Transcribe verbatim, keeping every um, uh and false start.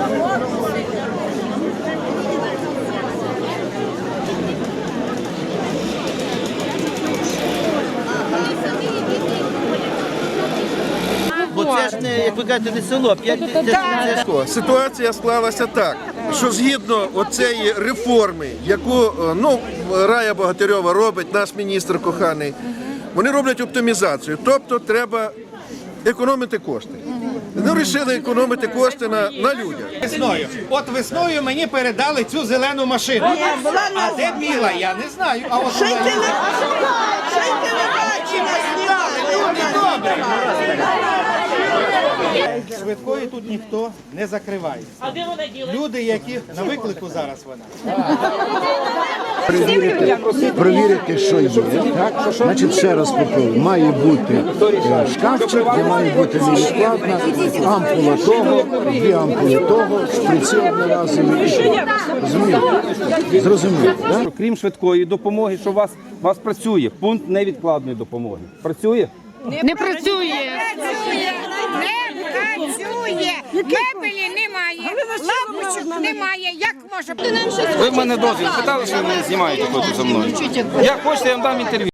Бо це ж не, як ви кажете, не село, п'ять тисяч. Ситуація склалася так, що згідно оцеї реформи, яку ну, Рая Богатирьова робить, наш міністр коханий, вони роблять оптимізацію, тобто треба економити кошти. Вони вирішили економити кошти на, на людях. Весною. От весною мені передали цю зелену машину. А де біла, я не знаю. А от зелена. Люди добрі. Швидкої тут ніхто не закриває. Люди, які на виклику зараз вона. Перевірити, перевірити, що є. Так? Значить, ще раз повторюю, має бути шкафчик, де має бути невідкладна, ампула того, дві ампули того, шприці одноразові. Розумієте? Зрозуміло, так? Крім швидкої допомоги, що у вас, у вас працює пункт невідкладної допомоги. Працює? Не працює. Не працює. Мебелі немає. Лампочок немає. Як може бути? Ви в мене дозвіл питали, що ви мене знімаєте тут за мною. Як хочете, я вам дам інтерв'ю.